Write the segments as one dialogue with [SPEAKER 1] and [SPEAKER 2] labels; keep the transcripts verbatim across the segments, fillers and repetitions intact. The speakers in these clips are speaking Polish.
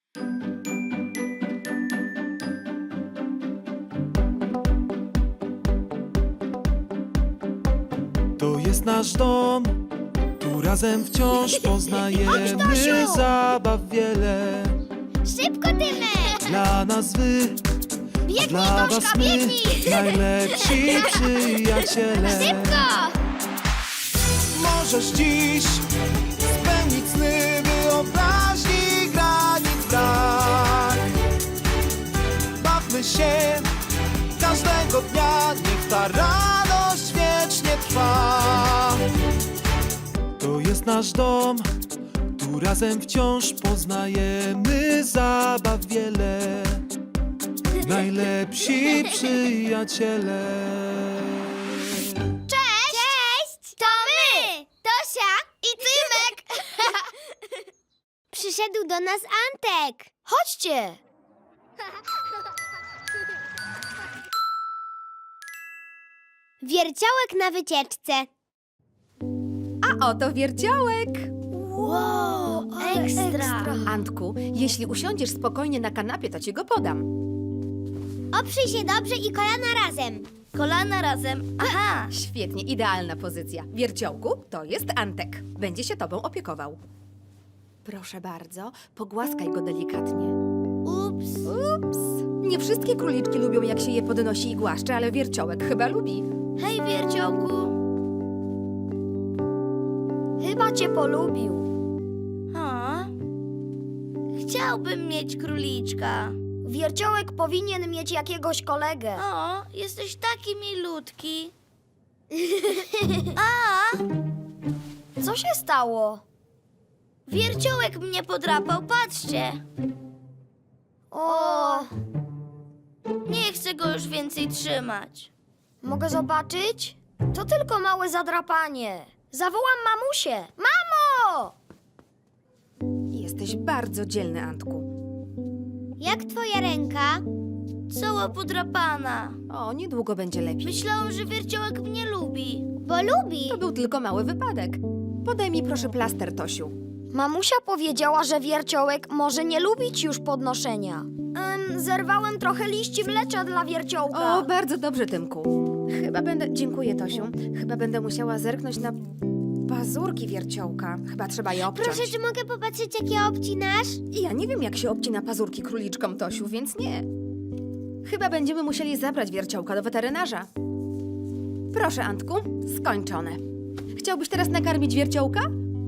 [SPEAKER 1] To jest nasz dom, tu razem wciąż poznajemy
[SPEAKER 2] Tosiu!
[SPEAKER 1] zabaw wiele.
[SPEAKER 2] Szybko, Tymek!
[SPEAKER 1] Dla nas wy, a
[SPEAKER 2] Biegnij,
[SPEAKER 1] dla
[SPEAKER 2] Toszka,
[SPEAKER 1] was my,
[SPEAKER 2] biegnij!
[SPEAKER 1] najlepsi przyjaciele.
[SPEAKER 2] Szybko!
[SPEAKER 1] Możesz dziś spełnić sny, wyobraźni granic brak. Bawmy się każdego dnia, niech ta radość wiecznie trwa. To jest nasz dom, tu razem wciąż poznajemy zabaw wiele. Najlepsi przyjaciele.
[SPEAKER 2] Cześć! Cześć! To my! Tosia i Tymek! Przyszedł do nas Antek. Chodźcie! Wierciołek na wycieczce.
[SPEAKER 3] A oto wierciołek!
[SPEAKER 2] Wow, ekstra!
[SPEAKER 3] Antku, jeśli usiądziesz spokojnie na kanapie, to ci go podam.
[SPEAKER 2] Oprzyj się dobrze i kolana razem. Kolana razem. Aha!
[SPEAKER 3] Świetnie, idealna pozycja. Wierciołku, to jest Antek. Będzie się tobą opiekował. Proszę bardzo, pogłaskaj go delikatnie.
[SPEAKER 2] Ups.
[SPEAKER 3] Ups! Nie wszystkie króliczki lubią, jak się je podnosi i głaszcze, ale wierciołek chyba lubi.
[SPEAKER 2] Hej, Wierciołku. Chyba cię polubił.
[SPEAKER 4] A? Chciałbym mieć króliczka.
[SPEAKER 2] Wierciołek powinien mieć jakiegoś kolegę.
[SPEAKER 4] O, jesteś taki milutki. A,
[SPEAKER 2] Co się stało?
[SPEAKER 4] wierciołek mnie podrapał, patrzcie.
[SPEAKER 2] O,
[SPEAKER 4] Nie chcę go już więcej trzymać.
[SPEAKER 2] mogę zobaczyć? To tylko małe zadrapanie. Zawołam mamusię. Mamo!
[SPEAKER 3] Jesteś bardzo dzielny, Antku.
[SPEAKER 2] Jak twoja ręka?
[SPEAKER 4] Cała podrapana.
[SPEAKER 3] O, niedługo będzie lepiej.
[SPEAKER 4] Myślałam, że wierciołek mnie lubi.
[SPEAKER 2] Bo lubi.
[SPEAKER 3] To był tylko mały wypadek. Podaj mi proszę plaster, Tosiu.
[SPEAKER 2] Mamusia powiedziała, że wierciołek może nie lubić już podnoszenia. Ym, zerwałem trochę liści mlecza dla wierciołka.
[SPEAKER 3] O, bardzo dobrze, Tymku. Chyba będę... Dziękuję, Tosiu. Chyba będę musiała zerknąć na pazurki wierciołka. Chyba trzeba je obciąć.
[SPEAKER 2] Proszę, czy mogę popatrzeć, jak je obcinasz?
[SPEAKER 3] Ja nie wiem, jak się obcina pazurki króliczkom, Tosiu, więc nie. Chyba będziemy musieli zabrać wierciołka do weterynarza. Proszę, Antku, skończone. Chciałbyś teraz nakarmić wierciołka?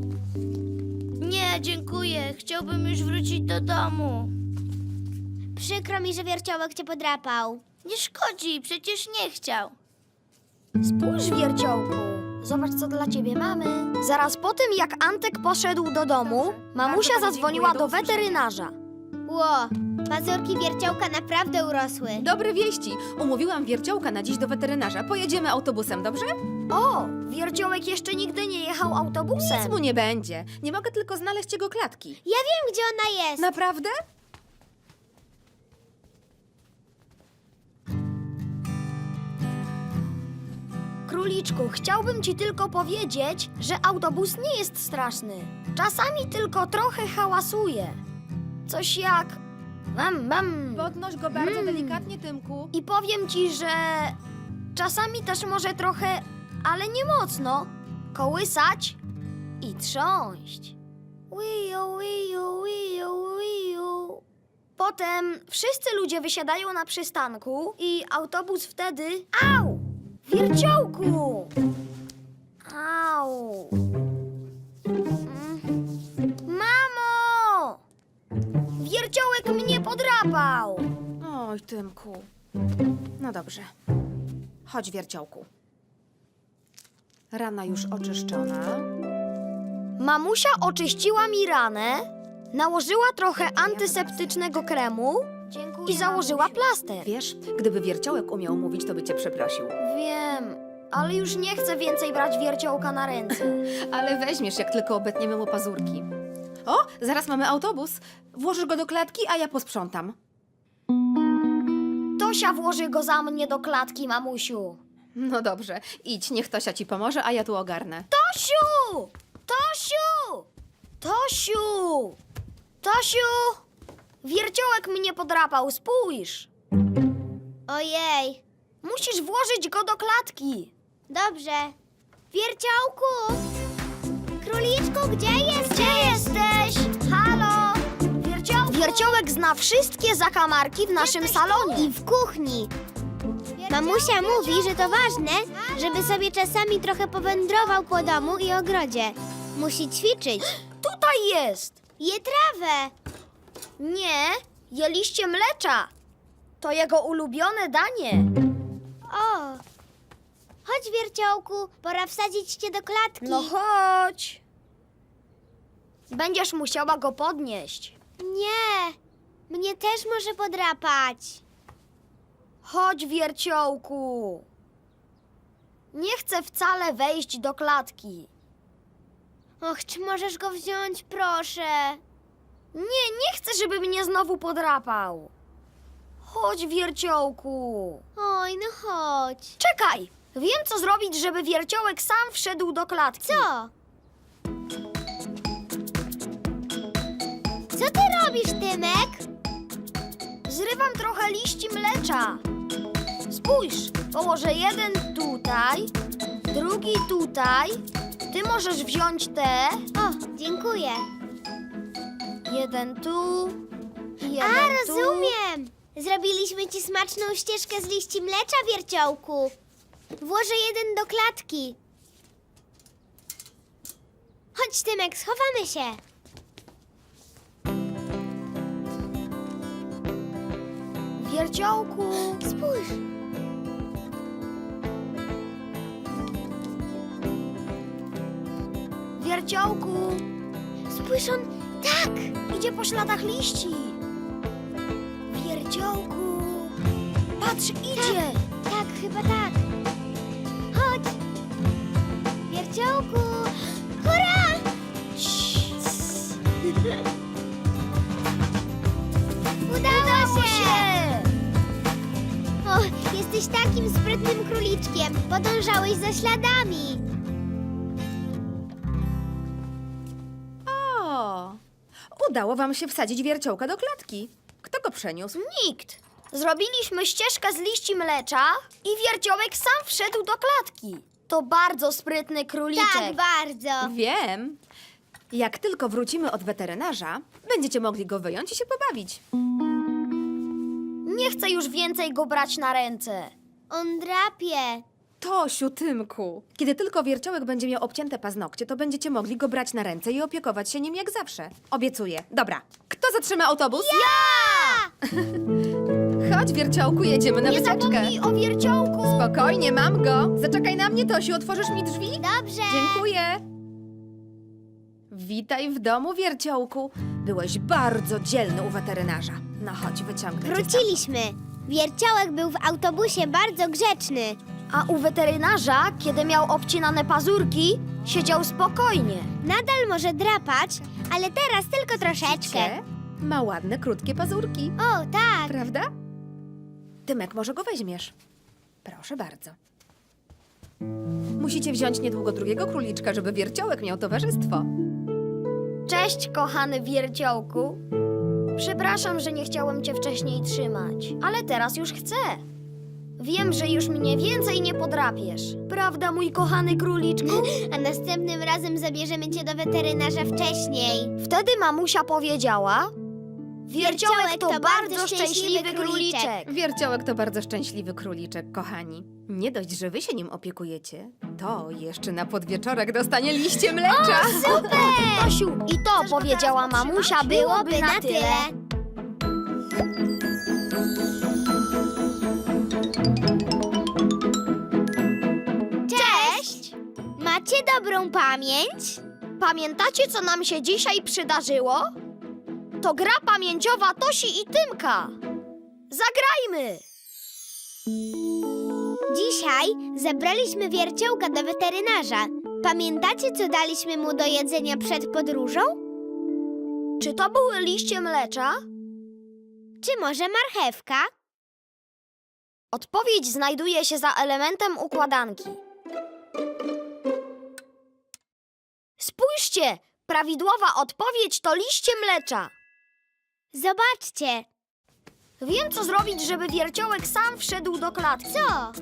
[SPEAKER 4] Nie, dziękuję. Chciałbym już wrócić do domu.
[SPEAKER 2] Przykro mi, że wierciołek cię podrapał.
[SPEAKER 4] Nie szkodzi, przecież nie chciał.
[SPEAKER 2] Spójrz, wierciołku. Zobacz, co dla ciebie mamy. Zaraz po tym, jak Antek poszedł do domu, mamusia
[SPEAKER 3] Bardzo pani
[SPEAKER 2] zadzwoniła
[SPEAKER 3] dziękuję,
[SPEAKER 2] do
[SPEAKER 3] do usłyszenia.
[SPEAKER 2] weterynarza. Ło, pazurki wierciołka naprawdę urosły.
[SPEAKER 3] Dobre wieści. Umówiłam wierciołka na dziś do weterynarza. Pojedziemy autobusem, dobrze?
[SPEAKER 2] O, wierciołek jeszcze nigdy nie jechał autobusem.
[SPEAKER 3] Nic mu nie będzie. Nie mogę tylko znaleźć jego klatki.
[SPEAKER 2] Ja wiem, gdzie ona jest.
[SPEAKER 3] Naprawdę?
[SPEAKER 2] Króliczku, chciałbym ci tylko powiedzieć, że autobus nie jest straszny. Czasami tylko trochę hałasuje. Coś jak... Mam, mam.
[SPEAKER 3] Podnoś go bardzo
[SPEAKER 2] Mm.
[SPEAKER 3] delikatnie, Tymku.
[SPEAKER 2] I powiem ci, że czasami też może trochę, ale nie mocno, kołysać i trząść. Wiu, wiu, wiu, wiu. Potem wszyscy ludzie wysiadają na przystanku i autobus wtedy... Au! Wierciołku! Au! Mm. Mamo! Wierciołek mnie podrapał!
[SPEAKER 3] Oj, Tymku. No dobrze. Chodź, wierciołku. Rana już oczyszczona.
[SPEAKER 2] Mamusia oczyściła mi ranę, nałożyła trochę antyseptycznego kremu i założyła plaster.
[SPEAKER 3] Wiesz, gdyby wierciołek umiał mówić, to by cię przeprosił.
[SPEAKER 2] Wiem, ale już nie chcę więcej brać wierciołka na ręce.
[SPEAKER 3] Ale weźmiesz, jak tylko obetniemy mu pazurki. O, zaraz mamy autobus. Włożysz go do klatki, a ja posprzątam.
[SPEAKER 2] Tosia włoży go za mnie do klatki, mamusiu.
[SPEAKER 3] No dobrze, idź, niech Tosia ci pomoże, a ja tu ogarnę.
[SPEAKER 2] Tosiu! Tosiu! Tosiu! Tosiu! Wierciołek mnie podrapał, spójrz!
[SPEAKER 4] Ojej,
[SPEAKER 2] Musisz włożyć go do klatki.
[SPEAKER 4] dobrze. Wierciołku! Króliczku, gdzie jesteś?
[SPEAKER 2] Gdzie jesteś? Halo? Wierciołku? Wierciołek zna wszystkie zakamarki w naszym salonie.
[SPEAKER 4] I w kuchni. Mamusia mówi, że to ważne, żeby sobie czasami trochę powędrował po domu i ogrodzie. Musi ćwiczyć.
[SPEAKER 2] Tutaj jest.
[SPEAKER 4] Je trawę.
[SPEAKER 2] Nie, je liście mlecza. To jego ulubione danie.
[SPEAKER 4] O! Chodź, Wierciołku, pora wsadzić cię do klatki.
[SPEAKER 2] No chodź. Będziesz musiała go podnieść.
[SPEAKER 4] Nie, mnie też może podrapać.
[SPEAKER 2] Chodź, wierciołku. Nie chcę wcale wejść do klatki.
[SPEAKER 4] Och, czy możesz go wziąć, proszę?
[SPEAKER 2] Nie, nie chcę, żeby mnie znowu podrapał. Chodź, wierciołku.
[SPEAKER 4] Oj, no chodź.
[SPEAKER 2] Czekaj, wiem, co zrobić, żeby wierciołek sam wszedł do klatki.
[SPEAKER 4] Co? Co ty robisz, Tymek?
[SPEAKER 2] Zrywam trochę liści mlecza. Spójrz, położę jeden tutaj, drugi tutaj. Ty możesz wziąć te.
[SPEAKER 4] O, dziękuję.
[SPEAKER 2] Jeden tu i jeden
[SPEAKER 4] A,
[SPEAKER 2] tu.
[SPEAKER 4] rozumiem. Zrobiliśmy ci smaczną ścieżkę z liści mlecza, Wierciołku. Włożę jeden do klatki. Chodź, Tymek, schowamy się.
[SPEAKER 2] Wierciołku.
[SPEAKER 4] Spójrz.
[SPEAKER 2] Wierciołku.
[SPEAKER 4] Spójrz, on... Tak!
[SPEAKER 2] Idzie po śladach liści. Wierciołku. Patrz, idzie.
[SPEAKER 4] Tak, chyba tak. Chodź. Wierciołku. Hurra! Udało,
[SPEAKER 2] Udało
[SPEAKER 4] się!
[SPEAKER 2] się.
[SPEAKER 4] O, jesteś takim sprytnym króliczkiem. Podążałeś za śladami.
[SPEAKER 3] O! Udało wam się wsadzić wierciołka do klatki. Kto go przeniósł?
[SPEAKER 2] Nikt. Zrobiliśmy ścieżkę z liści mlecza i wierciołek sam wszedł do klatki. To bardzo sprytny króliczek.
[SPEAKER 4] Tak, bardzo.
[SPEAKER 3] Wiem. Jak tylko wrócimy od weterynarza, będziecie mogli go wyjąć i się pobawić.
[SPEAKER 2] Nie chcę już więcej go brać na ręce.
[SPEAKER 4] On drapie.
[SPEAKER 3] Tosiu, Tymku, kiedy tylko wierciołek będzie miał obcięte paznokcie, to będziecie mogli go brać na ręce i opiekować się nim jak zawsze. Obiecuję. Dobra, kto zatrzyma autobus?
[SPEAKER 4] Ja!
[SPEAKER 3] Chodź, wierciołku, jedziemy na
[SPEAKER 2] Nie
[SPEAKER 3] wycieczkę.
[SPEAKER 2] zapomnij o wierciołku.
[SPEAKER 3] Spokojnie, mam go. Zaczekaj na mnie, Tosiu, otworzysz mi drzwi?
[SPEAKER 4] Dobrze.
[SPEAKER 3] Dziękuję. Witaj w domu, wierciołku. Byłeś bardzo dzielny u weterynarza. No chodź, wyciągnę cię
[SPEAKER 4] Wróciliśmy. Wierciołek był w autobusie bardzo grzeczny.
[SPEAKER 2] A u weterynarza, kiedy miał obcinane pazurki, siedział spokojnie.
[SPEAKER 4] Nadal może drapać, ale teraz tylko troszeczkę.
[SPEAKER 3] stamtąd. Ma ładne, krótkie pazurki.
[SPEAKER 4] O, tak.
[SPEAKER 3] Prawda? Tymek, może go weźmiesz? Proszę bardzo. Musicie wziąć niedługo drugiego króliczka, żeby wierciołek miał towarzystwo.
[SPEAKER 2] Cześć, kochany wierciołku. Przepraszam, że nie chciałem cię wcześniej trzymać, ale teraz już chcę. Wiem, że już mnie więcej nie podrapiesz. Prawda, mój kochany króliczku?
[SPEAKER 4] A następnym razem zabierzemy cię do weterynarza wcześniej.
[SPEAKER 2] Wtedy mamusia powiedziała: Wierciołek to bardzo szczęśliwy króliczek.
[SPEAKER 3] Wierciołek to bardzo szczęśliwy króliczek, kochani. Nie dość, że wy się nim opiekujecie, to jeszcze na podwieczorek dostanie liście mlecza.
[SPEAKER 2] Super! Tosiu, i to powiedziała mamusia, byłoby na tyle.
[SPEAKER 4] Cześć! Macie dobrą pamięć?
[SPEAKER 2] Pamiętacie, co nam się dzisiaj przydarzyło? To gra pamięciowa Tosi i Tymka. Zagrajmy!
[SPEAKER 4] Dzisiaj zabraliśmy Wierciołka do weterynarza. Pamiętacie, co daliśmy mu do jedzenia przed podróżą?
[SPEAKER 2] Czy to były liście mlecza?
[SPEAKER 4] Czy może marchewka?
[SPEAKER 2] Odpowiedź znajduje się za elementem układanki. Spójrzcie! Prawidłowa odpowiedź to liście mlecza.
[SPEAKER 4] Zobaczcie.
[SPEAKER 2] Wiem, co zrobić, żeby wierciołek sam wszedł do klatki.
[SPEAKER 4] Co?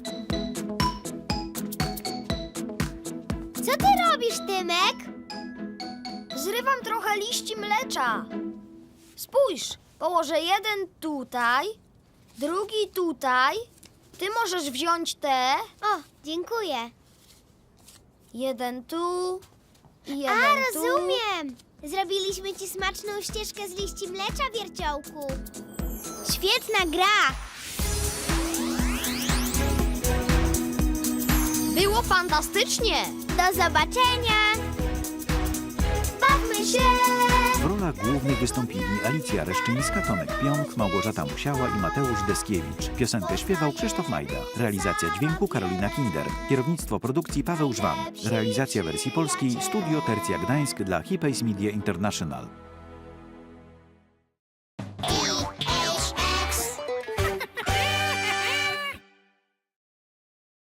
[SPEAKER 4] Co ty robisz, Tymek?
[SPEAKER 2] Zrywam trochę liści mlecza. Spójrz, położę jeden tutaj, drugi tutaj. Ty możesz wziąć te.
[SPEAKER 4] O, dziękuję.
[SPEAKER 2] Jeden tu i jeden
[SPEAKER 4] A,
[SPEAKER 2] tu.
[SPEAKER 4] rozumiem. Zrobiliśmy ci smaczną ścieżkę z liści mlecza, wierciołku. Świetna gra.
[SPEAKER 2] Było fantastycznie.
[SPEAKER 4] Do zobaczenia.
[SPEAKER 2] Bawmy się.
[SPEAKER 5] W rolach głównych wystąpili Alicja Reszczyńska, Tomek Pionk, Małgorzata Musiała i Mateusz Deskiewicz. Piosenkę śpiewał Krzysztof Majda. Realizacja dźwięku Karolina Kinder. Kierownictwo produkcji Paweł Żwan. Realizacja wersji polskiej Studio Tercja Gdańsk dla Hipays Media International.